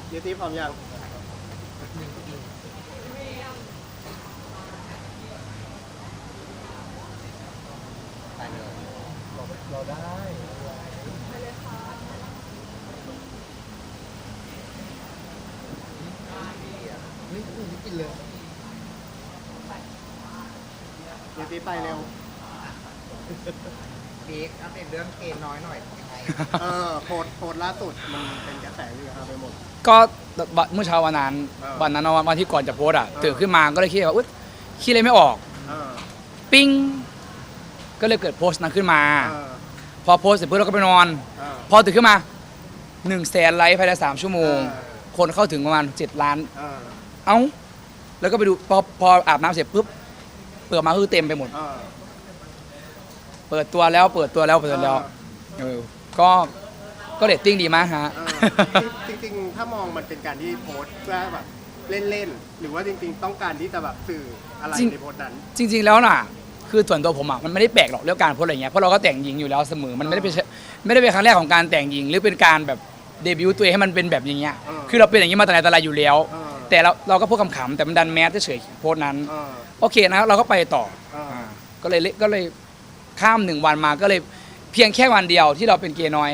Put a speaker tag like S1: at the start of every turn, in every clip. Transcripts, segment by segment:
S1: เยตี้พร้อมยังไปเลยเราได้เฮ้ยไม่กินเลยเยตี้ไปเร็ว
S2: พีคอัปเดตเรื่องเกณฑ์น้อยหน่อยยังไง
S1: โพสต์ล่าสุดมันเป็นกระแสอยู่ครับไปหมด
S3: ก็เมื่อเช้าวันนั้นวันที่ก่อนจะโพสอ่ะตื่นขึ้นมาก็เลยคิดว่าอุ๊ยคิดอะไรไม่ออกปิ้งก็เลยเกิดโพสต์นั้นขึ้นมาพอโพสต์เสร็จปุ๊บเราก็ไปนอนพอตื่นขึ้นมา100,000 ไลค์ภายใน3 ชั่วโมงคนเข้าถึงประมาณ7 ล้านเอ้าแล้วก็ไปดูพออาบน้ำเสร็จปุ๊บเปิดมาคือเต็มไปหมดเปิดตัวแล้วก็เรตติ้งดีมากฮะ
S1: จริงๆถ้ามองมันเป็นการที่โพสต์เพื่อแบบเล่นๆหรือว่าจริงๆต้องการที่จะแบบสื่ออะไรในโพสต์นั้น
S3: จริงๆแล้วน่ะคือส่วนตัวผมอ่ะมันไม่ได้แปลกหรอกเรื่องการโพสอะไรเงี้ยเพราะเราก็แต่งหญิงอยู่แล้วเสมอมันไม่ได้เป็นครั้งแรกของการแต่งหญิงหรือเป็นการแบบเดบิวต์ตัวเองให้มันเป็นแบบอย่างเงี้ยคือเราเป็นอย่างนี้มาแต่ไหนแต่ไรอยู่แล้วแต่เราก็พูดขำๆแต่มันดันแมสเฉยๆโพสต์นั้นโอเคนะเราก็ไปต่อก็เลยข้าม1 วันมาก็เลยเพียงแค่วันเดียวที่เราเป็นเกย์น้อย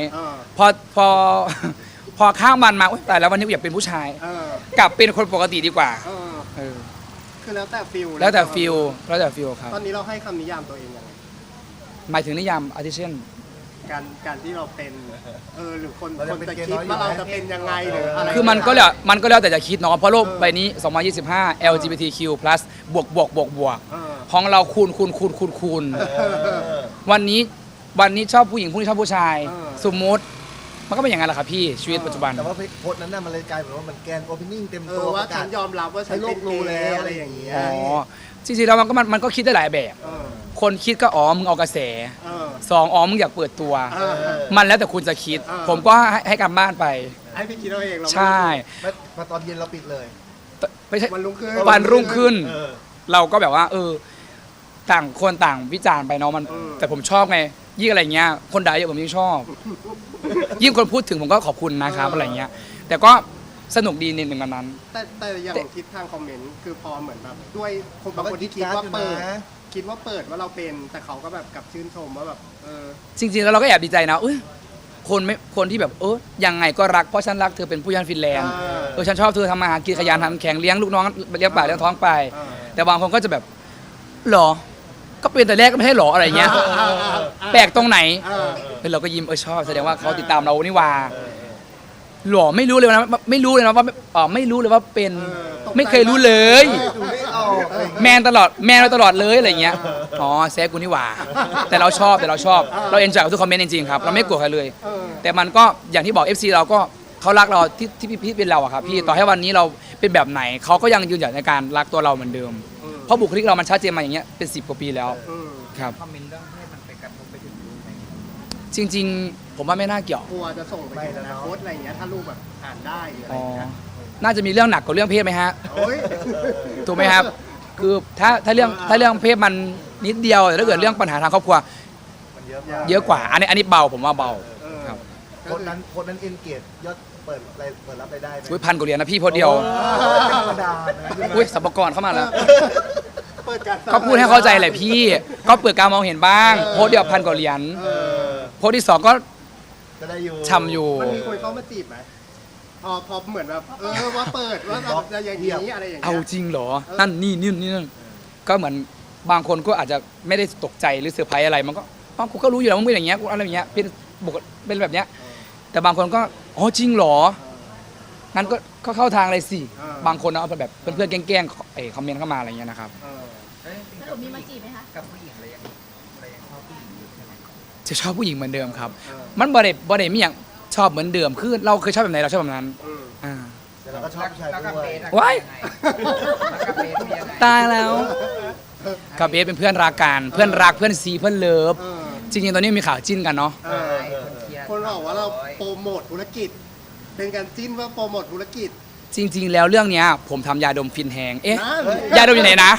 S3: พอข้ามวันมาแต่แล้ววันนี้อยากเป็นผู้ชายกลับเป็นคนปกติดีกว่า
S1: คือแล้วแต่ฟิล
S3: ครับ
S1: ตอนนี้เราให้คำนิยามตัวเองยังไง
S3: หมายถึงนิยามอาทิเช่น
S1: การที่เราเป็นหรือคนจะคิดว่าเราจะเป็นยังไงหรืออะไร
S3: คือมันก็แล้วแต่จะคิดเนาะเพราะโลกใบนี้2025 LGBTQ+ บวกของเราคูณวันนี้ชอบผู้หญิงพรุ่งนี้ชอบผู้ชายสมมติมันก็เป็นอย่างนั้นแหละครับพี่ชีวิตปัจจุบัน
S4: แต่ว่าโพสต์นั้นน่ะมันเลยกลายเป็นว่ามันแกนโอเพนนิ่งเต็มตัว
S1: ว่าฉันยอมรับว่าฉันเป็นเกย์อะไรอย่างเงี้ย
S3: จริงๆแล้วมันก็คิดได้หลายแบบคนคิดก็มึงเอากระแส2มึงอยากเปิดตัวมันแล้วแต่คุณจะคิดผมก็ให้กลับบ้านไป
S1: ให้พี่คิดเอาเอง
S3: ใช่
S4: มาตอนเย็นเราปิดเลย
S3: ไม่ใช่
S1: วันรุ่
S3: งขึ้นเราก็แบบว่าต่างคนต่างวิจารณ์ไปเนาะมันแต่ผมชอบไงยิ่งอะไรเงี้ยคนด่าเยอะผมยิ่งชอบยิ่งคนพูดถึงผมก็ขอบคุณนะครับอะไรเงี้ยแต่ก็สนุกดีในหนึ่งวันนั้น
S1: แต่อย่างทิศทางคอมเมนต์คือพอเหมือนแบบด้วยคนบางคนที่คิดว่าเปิดว่าเราเป็นแต่เขาก็แบบกลับชื่นชมว่าแบบ
S3: จริงๆแล้วเราก็แอบดีใจนะคนที่แบบยังไงก็รักเพราะฉันรักเธอเป็นผู้ยันฟินแลนด์ฉันชอบเธอทำมาหากินขยันทำแข็งเลี้ยงลูกน้องเลี้ยงปากเลี้ยงท้องไปแต่บางคนก็จะแบบหรอก็เป็นแต่แรกก็ไม่ให้หรออะไรเงี้ยแปลกตรงไหนเราก็ยิ้มชอบแสดงว่าเขาติดตามเรานี่ว่าหรอไม่รู้เลยนะว่าไม่รู้เลยว่าเป็นไม่เคยรู้เลยแมนเราตลอดเลยอะไรเงี้ยแซกกูนี่ว่าแต่เราชอบเราเอนจอยกับทุกคอมเมนต์จริงๆครับเราไม่กลัวใครเลยแต่มันก็อย่างที่บอก FC เราก็เขารักเราที่พี่เป็นเราอะครับพี่ต่อให้วันนี้เราเป็นแบบไหนเขาก็ยังยืนหยัดในการรักตัวเราเหมือนเดิมเพราะบุคลิกเรามันชัดเจนมาอย่างเงี้ยเป็น10 กว่าปีแล้วครับ
S2: คอมเมนต์เรื่องเพศมันไปกระทบไปถึงลูกไหม
S3: จริงๆผมว่าไม่น่าเกี่ยว
S1: กลัวจะส่งไปถึงอนาคตอะไรอย่างเงี้ยถ้าลูกแบบอ่านได้อะไรอย่างเงี้ย
S3: น่าจะมีเรื่องหนักกว่าเรื่องเพศไหมฮะถูกไหมครับคือถ้าเรื่องเพศมันนิดเดียวแต่ถ้าเกิดเรื่องปัญหาทางครอบครัวเยอะกว่าอันนี้เบาผมว่าเบาครับ
S4: คนนั้นเอ็นเกจยอดเปิดรับได้ไหม
S3: 1,000 กว่าเหรียญนะพี่โพสเดียว
S4: ธรรมดา
S3: สัมภาระเข้ามาแล้วก็พูดให้เข้าใจแหละพี่ก็เปิดการมองเห็นบ้างโพสเดียว1,000 กว่าเหรียญโพสที่2ก็
S4: ได้อยู่
S3: ช่ำอยู่
S1: มันมีคนเข้ามาจีบไหมพอเหมือนแบบว่าเปิดว่าจะอย่างนี้อะไรอย่างเงี้ย
S3: เอาจริงเหรอนั่นนี่ก็เหมือนบางคนก็อาจจะไม่ได้ตกใจหรือเซอร์ไพรส์อะไรมันก็กูก็รู้อยู่แล้วมึงเป็นอย่างเงี้ยกูอะไรอย่างเงี้ยเป็นแบบเนี้ยแต่บางคนก็จริงเหรองั้นก็เข้าทางเลยสิบางคนเอาแบบเพื่อนๆแกล้งคอมเมนต์เข้ามาอะไรเงี้ยนะครับ
S5: แล้วมีมาจีบไหมคะ
S2: กับผู้หญิงอะไรยังชอบผู้หญิงอยู่ใช่ไหม
S3: จะชอบผู้หญิงเหมือนเดิมครับมันบ่ได้มีอย่างชอบเหมือนเดิมคือเราเคยชอบแบบไหนเราชอบแบบนั้น
S4: แต่เราก็ชอบผู้ชายด้วย
S3: ว้ายตายแล้วกับเบสเป็นเพื่อนรักกันเพื่อนรักเพื่อนซีเพื่อนเลิฟจริงๆตอนนี้มีข่าวจิ้นกันเนาะ
S1: คนบอกว่าเราโปรโมทธุรกิจเป็นการจิ้นว่าโปรโมทธุรกิจ
S3: จริงๆแล้วเรื่องนี้ผมทำยาดมฟินแฮงยาดมอยู่ไหนนะ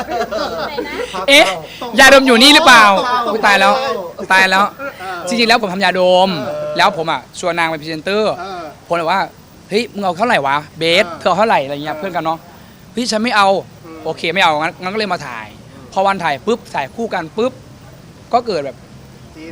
S3: ยาดมอยู่นี่หรือเปล่าตายแล้วจริงๆแล้วผมทำยาดมแล้วผมชวนนางเป็นพรีเซนเตอร์ผมเลยว่าเฮ้ยมึงเอาเท่าไหร่วะเบสเธอเอาเท่าไหร่อะไรเงี้ยเพื่อนกันเนาะเฮ้ยฉันไม่เอาโอเคไม่เอางั้นก็เลยมาถ่าย พอวันถ่ายปุ๊บถ่ายคู่กันปุ๊บก็เกิดแบบ
S1: จีน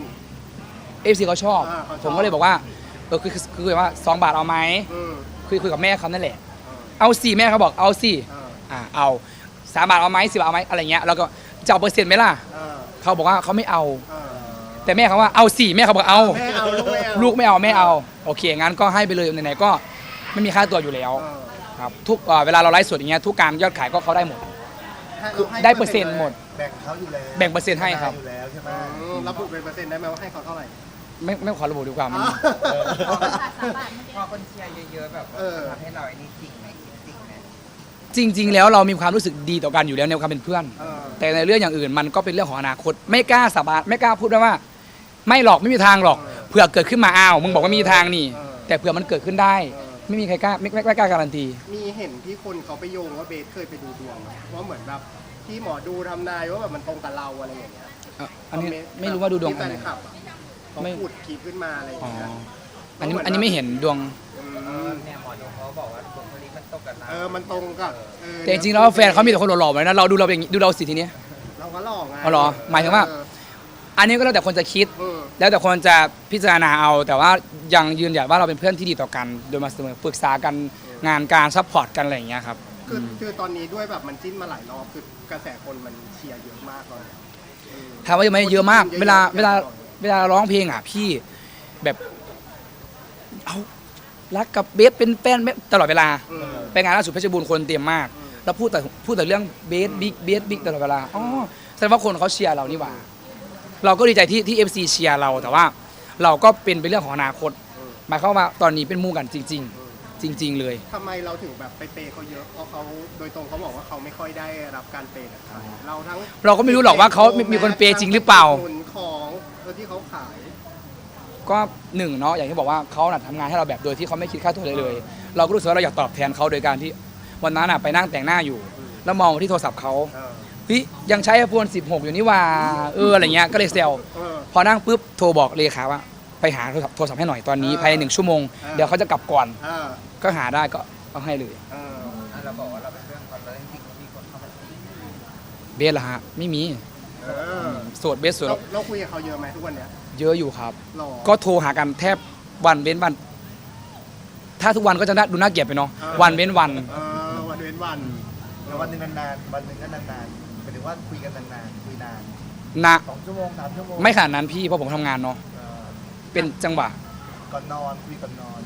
S3: FC เขาชอบ
S1: เขาชอบ
S3: ผมก็เลยบอกว่าคือว่า2 บาทเอาไหม
S1: อืม
S3: คุยกับแม่เขานั่นแหละเอาสิแม่เขาบอกเอาสิ เอา3 บาทเอาไหม10 บาทเอาไหมอะไรเงี้ยแล้วก็จะเอาเปอร์เซ็นต์ไหมล่ะ เขาบอกว่าเขาไม่เอา แต่แม่เขาว่าเอาสิแม่เขาบอกเอา
S1: แม่เอาลูกไม่เอา
S3: ลูกไม่เอาไม่เอาโอเคงั้นก็ให้ไปเลยไหนๆก็ไม่มีค่าตัวอยู่แล้วครับทุกเวลาเราไลฟ์สดอย่างเงี้ยทุกการยอดขายก็เขาได้หมดคือได้เปอร์เซ็นต์หมด
S4: แบ่งเขาอยู่แล้ว
S3: แบ่งเปอร์เซ็นต์ให้ครับ
S4: อยู่แล้วใช่ไหม
S1: ระบุเป็นเปอร์เซ็นต์ได้ไหมว่าให้เขาเท่าไหร่
S3: ไม่ขอระบุดีกว่ามัน
S5: 3 บาทเมื่อ
S2: พอ
S5: กี้
S2: คนเชียร์เยอะๆแบบว่าทำให้เราไอ้นี่จริงไหมจริงไหม
S3: จริง ๆ แล้วเรามีความรู้สึกดีต่อกันอยู่แล้วในความเป็นเพื่อน แต่ในเรื่องอย่างอื่นมันก็เป็นเรื่องของอนาคตไม่กล้าสาบานไม่กล้าพูดว่า ไม่หรอกไม่มีทางหรอกเผื่อเกิดขึ้นมาอ้าวมึงบอกว่ามีทางนี่ แต่เผื่อมันเกิดขึ้นได้ ไม่มีใครกล้าไม่กล้าการันตี
S1: มีเห็นที่คนเขาไปโยงว่าเบสเคยไปดูดวงไหมว่าเหมือนแบบที่หมอดูทำนายว่าแบบมันตรงกับเราอะไรอย่างเงี้ย
S3: อันนี้ไม่รู้ว่าดูดวง
S1: ที่
S3: อั
S1: แฟ
S3: นไหน
S1: นคลับอะเขา
S3: ไม่
S1: ขุดคลิปขึ้นมาอะไรอย่าง
S3: อ๋อ
S1: เงี้ย
S3: อันนี้ไม่เห็นดวง
S2: เนี่ยหมอดูเขาบอกว่าบุคลิกมันตกกับเรา
S1: มันตรงกับ
S3: แต่จริงๆแล้วแฟนเขามีแต่คนหล่อๆเลยนะเราดูเราเป็นอย่างนี้ดูเราสิทีเนี้ย
S1: เราก็หลอกไง
S3: อ๋อเหรอหมายถึงว่า อันนี้ก็แล้วแต่คนจะคิด แล้วแต่คนจะพิจารณาเอา แต่ว่ายังยืนหยัดว่าเราเป็นเพื่อนที่ดีต่อกัน โดยมาเสมอปรึกษากันงานการซัพพอร์ตกันอะไรอย่างเงี้ยครับ
S1: คือตอนนี้ด้วยแบบมันจิ้นมาหลายรอบคือกระแสคนมันเชียร์เยอะมากตอนนี้
S3: ถามว่าเยอะไหมเยอะมาก เวลาร้องเพลงอ่ะพี่แบบเอารักกับเบสเป็นแฟนตลอดเวลาไปงานล่าสุดเพชรบูรณ์คนเต็มมาก แล้วพูดแต่เรื่องเบสบิ๊กตลอดเวลาอ๋อแสดงว่าคนเขาเชียร์เรานี่หว่า เราก็ดีใจที่FC เชียร์เราแต่ว่าเราก็เป็นเรื่องของอนาคตหมายความว่าตอนนี้เป็นมู่กันจริง ๆ จริง ๆ เลย
S1: ทำไมเราถึงแบบไปเปย์เขาเยอะเพราะเขาโดยตรงเขาบอกว่าเขาไม่ค่อยได้รับการเปย์จากใครเราทั้ง
S3: เราก็ไม่รู้หรอกว่าเขามีคนเปย์จริงหรือเปล่า
S1: หนุนของที่เขาขาย
S3: ก็หนึ่งเนาะอย่างที่บอกว่าเขาน่ะทำงานให้เราแบบโดยที่เขาไม่คิดค่าตัวเลย เราก็รู้สึกว่าเราอยากตอบแทนเขาโดยการที่วันนั้นน่ะไปนั่งแต่งหน้าอยู่ แล้วมองที่โทรศัพท์เขาเฮ้ยยังใช้ iPhone 16 อยู่นี่ว่าอะไรเงี้ยก็เลยเซลพอนั่งปุ๊บโทรบอกเลขาว่าไปหาโทรศัพท์ให้หน่อยตอนนี้ภายใน1 ชั่วโมงเดี๋ยวเขาจะกลับก่อนก็หาได้ก็เอาให้เลย
S2: เราบอกว่าเราเป็นเพื่อนกันเลยจริงๆมีคนเข้ามาจีบ
S3: เบสล่ะฮะไม่มีโสดเบสโสด
S1: เราคุยกับเขาเยอะไหมทุกวันเนี้ย
S3: เยอะอยู่ครับ
S1: หรอ
S3: ก็โทรหากันแทบวันเว้นวัน ถ้าทุกวันก็จะดูน่าเกลียดไปเนาะวันเว้นวัน
S1: วันเว้นวัน
S4: แล้ววันหนึ่งนานๆวันหนึ่งก็นานๆหมายถึงว่าคุยกันนานๆคุยนาน
S3: นะ
S4: 2 ชั่วโมง 3 ชั่วโมง
S3: ไม่ขนาดนั้นพี่เพราะผมทำงานเนาะเป็นจังหวะ
S4: ก่อนนอนคุยก่อนนอน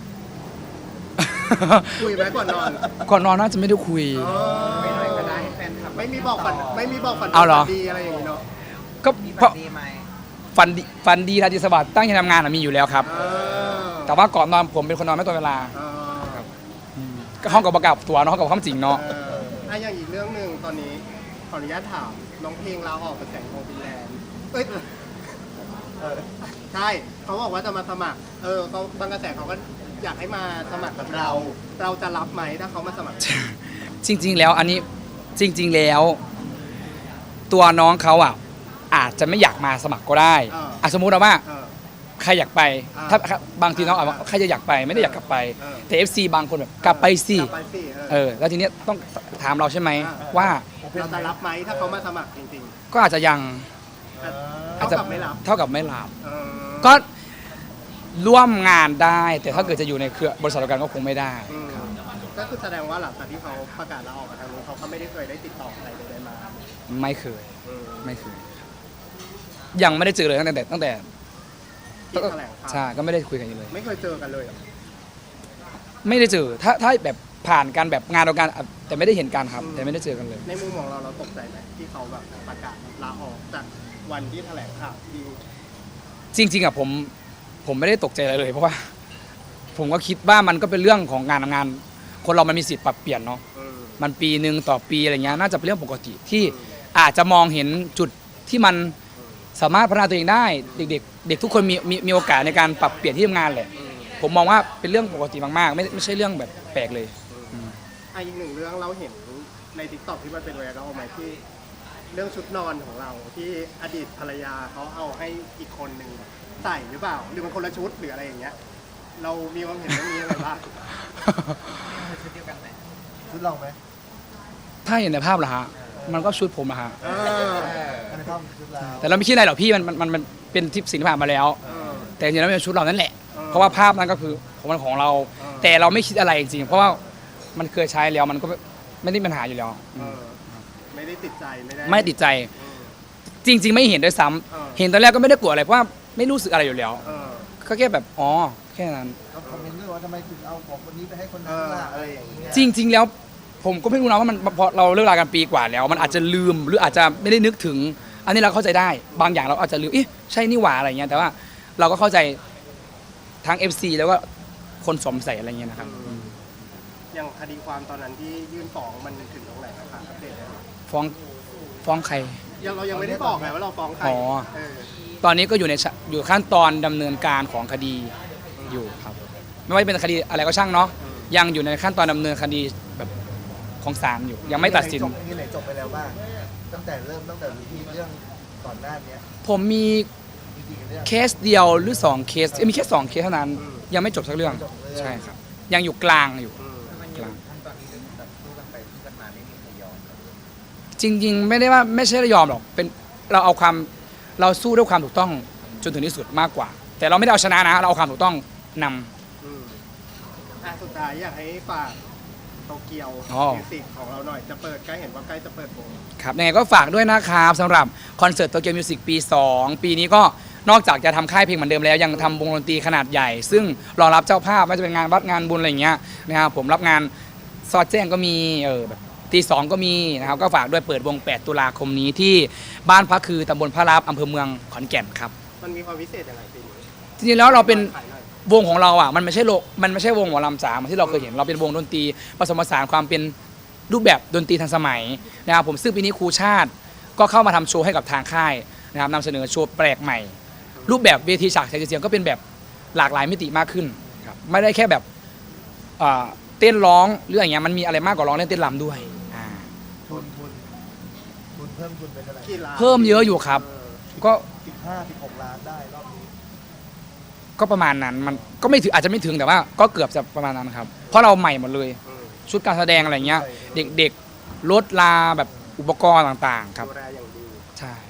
S1: คุยไหมก่อนนอน
S3: ก่อนนอนน่าจะไม่ได้คุย
S2: ไม่หน่อยก็ได้ให้แฟนคลับ
S1: ไม่มีบอกฝัน
S3: เอาเหรอ
S1: ดีอะไรอย่างงี้เนาะ
S3: ก็
S2: มี
S3: เพ
S2: บั
S3: ราะ
S2: ตรดีไหม
S3: ฝันดีราตรีสวัสดิ์ตั้งใจทำงานมีอยู่แล้วครับ แต่ว่าก่อนนอนผมเป็นคนนอนไม่ตรงเวลาก็ห้องกับประกับตัวเนาะห้องกับความจริงเนาะ
S1: อย่างอีกเรื่องหนึ่งตอนนี้ขออนุญาตถามน้องเพลงลาออกจากแสงทองฟินแลนด์ใช่เขาบอกว่าจะมาสมัครเขาบางกระแสเขาก็อยากให้มาสมัครกับเราจะรับไหมถ้าเขามาสมัคร
S3: จริง ๆ แล้วอันนี้จริง ๆ แล้ว ตัวน้องเขาอ่ะอาจจะไม่อยากมาสมัครก็ได้สมมุติว่าใครอยากไปถ้าบางทีน้องอาจว่าใครจะอยากไปไม่ได้อยากกลับไปแต่ FC บางคนแบบกลับไปสิแล้วทีเนี้ยต้องถามเราใช่ไหมว่า
S1: เราจะรับไหมถ้าเขามาสมัครจริง
S3: ก็อาจจะยัง
S1: ๆเท่ากับไม่รับ
S3: เท่ากับไม่รับก็ร่วมงานได้แต่ถ้าเกิดจะอยู่ในเครือบริษัทเดียวกันก็คงไม่ได้
S1: ก็คือแสดงว่าหลังจากที่เขาประกาศลาออกมาทางนู้นเขาก็ไม่ได้เคยได้ติดต่อใครเลยมา
S3: ไม่เคยยังไม่ได้เจอเลยตั้งแต่
S1: ที่แถลงข่าว
S3: ใช่ก็ไม่ได้คุยกันอยู่เลย
S1: ไม่เคยเจอกันเลยเหรอ
S3: ไม่ได้เจอถ้าแบบผ่านกันแบบงานเดียวกันแต่ไม่ได้เห็นกันครับ แต่ไม่ได้เจอกันเลย
S1: ในมุมของเราตกใจไหมที่เขาแบบประกาศลาออกจากวันที่แถลงข่าวที่
S3: จริงๆอ่ะผมไม่ได้ตกใจอะไรเลย เพราะว่า ผมก็คิดว่ามันก็เป็นเรื่องของงานทำงาน คนเรามันมีสิทธิ์ปรับเปลี่ยนเนาะมันปีหนึ่งต่อปีอะไรเงี้ยน่าจะเป็นเรื่องปกติที่อาจจะมองเห็นจุดที่มันสามารถพัฒนาตัวเองได้เด็กทุกคนมีโอกาสในการปรับเปลี่ยนที่ทำงานแหละผมมองว่าเป็นเรื่องปกติมากๆไม่ใช่เรื่องแบบแปลกเลย
S1: อีกหนึ่งเรื่องเราเห็นใน TikTok ที่มันเป็นไวรัลไหมที่เรื่องชุดนอนของเราที่อดีตภรรยาเขาเอาให้อีกคนหนึ่งใส่หรือเปล่าหรือมันคนละชุดหรืออะไรอย่างเงี้ยเรามีความเห็นเรื่องนี้อะไรบ้าง
S2: ชุดเดียวกันไหม
S4: ชุดเราไหม
S3: ถ้าเห็นในภาพเหรอฮะมันก็ชุดผมอะฮะ
S4: ในภาพชุดเรา
S3: แต่เราไม่คิดอะไรหรอกพี่มันเป็นทิปสิ่งที่ผ่านมาแล้ว แต่จริงๆแล้วมันเป็นชุดเรานั่นแหละ เพราะว่าภาพนั้นก็คือของเรา แต่เราไม่คิดอะไรจริงๆเพราะว่ามันเคยใช้แล้วมันก็ไม่ได้มีปัญหาอยู่แล้ว
S1: ไม่ได้ติดใจไม่ได้
S3: ไม่ติดใจจริง ๆ ไม่เห็นด้วยซ้ำ
S1: เออ
S3: เห็นตอนแรกก็ไม่ได้กลัวอะไรเพราะว่าไม่รู้สึกอะไรอยู่แล้ว
S1: เออ
S3: ก็แค่แบบอ๋อแค่นั้น
S4: เขาคอมเมนต์ด้วยว่าทำไมถึงเอาของคนนี้ไปให้คนนั้นล่ะอะไรอย่างเงี้ย
S3: จริง ๆ แล้วผมก็ไม่รู้นะว่ามันพอเราเลิกรากันปีกว่าแล้ว มันอาจจะลืมหรืออาจจะไม่ได้นึกถึง อันนี้เราเข้าใจได้บางอย่างเราอาจจะลืมเอ๊ะใช่นี่หว่าอะไรเงี้ยแต่ว่าเราก็เข้าใจทั้ง FC แล้วก็คนสวมใส่อะไรเงี้ยนะครับ
S1: อย่างคดีความตอนนั้นที่ยื่นฟ้องมันถึงตรงไหนนะคะอัปเดตหน่อย
S3: ฟ้องใคร
S1: เรายังไม่ได้บอกไงว่าเราฟ้องใคร
S3: อ๋อ
S1: เออ
S3: ตอนนี้ก็อยู่ขั้นตอนดำเนินการของคดีอยู่ครับ ไม่ว่าจะเป็นคดีอะไรก็ช่างเนาะยังอยู่ในขั้นตอนดำเนินคดีแบบของศาลอยู่ ยังไม่ตัดสิน
S4: มีไหนจบไปแล้วบ้างตั้งแต่ที่เรื่องก่อนหน้านี้
S3: ผมมี
S4: จริงๆเรื่อง
S3: เคสเดียวหรือ2เคสมีแค่2เคสเท่านั้น ยังไม่จบสักเรื่อง
S4: ไม่จบเรื่อง
S3: ใช่ครับ ยังอยู่กลางอยู่
S2: มันอยู่ขั้นตอนนี้แบบสู้กันไปสู้กันมาไม่มีใครยอม
S3: จริง ๆ ไม่ได้ว่าไม่ใช่ยอมหรอกเป็นเราสู้ด้วยความถูกต้องจนถึงที่สุดมากกว่า แต่เราไม่ได้เอาชนะนะเราเอาความถูกต้องนำ
S1: สุดท้ายอยากให้ฝากโตเกียว
S3: อ๋อ
S1: มิวสิกของเราหน่อยจะเปิดใกล้เห็นว่าใกล้จะเปิดวง
S3: ครับยังไงก็ฝากด้วยนะครับสำหรับคอนเสิร์ตโตเกียวมิวสิกปี 2 ปีนี้ก็นอกจากจะทำค่ายเพลงเหมือนเดิมแล้ว ยังทำวงดนตรีขนาดใหญ่ ซึ่งรองรับเจ้าภาพไม่ว่าจะเป็นงานวัดงานบุญอะไรอย่างเงี้ยนะครับผมรับงานซอดแจ้งก็มีแบบตีสองก็มีนะครับก็ฝากด้วยเปิดวง 8 ตุลาคมนี้ที่บ้านพระคือตำบลพระรับอำเภอเมืองขอนแก่นครับ
S1: มันมีความพิเศษยังไงปีนี้
S3: จริงๆแล้วเราเป็น
S1: ขายหน่อย
S3: วงของเราอ่ะมันไม่ใช่วงหมอลำจ๋าเหมือนที่เราเคยเห็นเราเป็นวงดนตรีผสมผสานความเป็นรูปแบบดนตรีทันสมัยนะครับผมซึ่งปีนี้ครูชาติก็เข้ามาทำโชว์ให้กับทางค่ายนะครับนำเสนอโชว์แปลกใหม่ รูปแบบเวทีฉากแสงสีเสียงก็เป็นแบบหลากหลายมิติมากขึ้นครับไม่ได้แค่แบบเต้นร้องหรืออย่างเงี้ยมันมีอะไรมากกว่าร้องเล่นเต้นรำด้วย
S4: ทุนเพิ่มทุนเป็นเท่าไหร่
S1: กี่ล้าน
S3: เพิ่มเยอะอยู่ครับก็
S4: 15-16 ล้านได้รอบนี้
S3: ก็ประมาณนั้นมันก็ไม่ถึงอาจจะไม่ถึงแต่ว่าก็เกือบจะประมาณนั้นครับเพราะเราใหม่หมดเลย ชุดการแสดงอะไรเงี้ยเด็กๆรถลาแบบอุปกรณ์ต่างๆครับ
S1: ดูแลอย่างดี
S3: ใช่